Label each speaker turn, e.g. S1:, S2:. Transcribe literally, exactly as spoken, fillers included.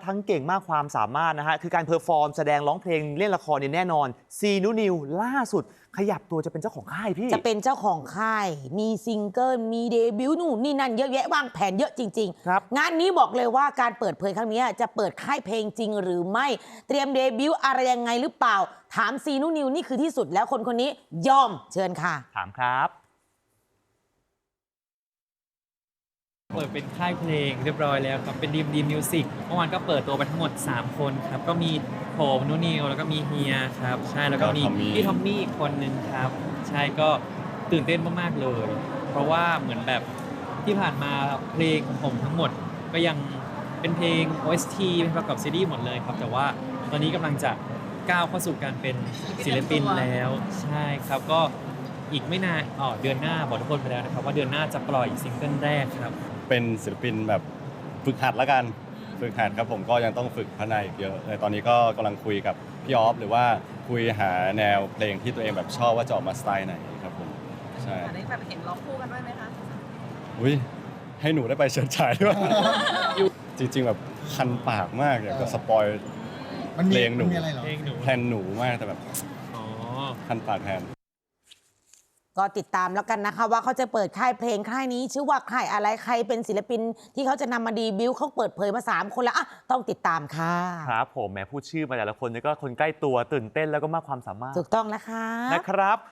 S1: ทั้งเก่งมากความสามารถนะฮะคือการเพอร์ฟอร์มแสดงร้องเพลงเล่นละครเนี่ยแน่นอนซีนูนิวล่าสุดขยับตัวจะเป็นเจ้าของค่ายพี่
S2: จะเป็นเจ้าของค่ายมีซิงเกิลมีเดบิวต์นู่นนี่นั่นเยอะแยะวางแผนเยอะจริง
S1: ๆครับ
S2: งานนี้บอกเลยว่าการเปิดเผยครั้งนี้จะเปิดค่ายเพลงจริงหรือไม่เตรียมเดบิวต์อะไรยังไงหรือเปล่าถามซีนูนิวนี่คือที่สุดแล้วคนคนนี้ยอมเชิญค่ะ
S1: ถามครับ
S3: เปิดเป็นค่ายเพลงเรียบร้อยแล้วครับเป็นดีมดีมิวสิกเมื่อวานก็เปิดตัวไปทั้งหมดสามคนครับก็มีผมนุนิวแล้วก็มีเฮียครับใช่แล้วก็มีพี่ทอมมี่อีกคนนึงครับใช่ก็ตื่นเต้นมากๆเลย เพราะว่าเหมือนแบบที่ผ่านมาเพลงของผมทั้งหมดก็ยังเป็นเพลง โอ เอส ที เป็นประกอบซีรีส์หมดเลยครับแต่ว่าตอนนี้กำลังจะก้าวเข้าสู่การเป็นศิลปินแล้วใช่ครับก็อีกไม่นานอ๋อเดือนหน้าบอกทุกคนไปแล้วนะครับว่าเดือนหน้าจะปล่อยซิงเกิลแรกครับ
S4: เป็นศิลปินแบบฝึกหัดแล้วกันฝึกหัดครับผมก็ยังต้องฝึกพัฒนาอีกเยอะเลยตอนนี้ก็กำลังคุยกับพี่ออฟหรือว่าคุยหาแนวเพลงที่ตัวเองแบบชอบว่าจะออกมาสไตล์ไหนครับผมใช่
S5: ได้แบบเห็นร้องคู่กันด้วยไหมคะ
S4: อุ้ยให้หนูได้ไปเฉิดฉายด้วย จริงๆแบบคันปากมากอยากจะสปอยเพลงหนูแพลนหนูมากแต่แบบคันปากแทน
S2: ก็ติดตามแล้วกันนะคะว่าเขาจะเปิดค่ายเพลงค่ายนี้ชื่อว่าค่ายอะไรใครเป็นศิลปินที่เขาจะนำมาดีบิวเขาเปิดเผยมาสามคนแล้วอ่ะต้องติดตามค่ะ
S1: ครับผมแหมพูดชื่อมาแต่ละคนนี่ก็คนใกล้ตัวตื่นเต้นแล้วก็มากความสามารถ
S2: ถูกต้องนะคะ
S1: นะครับ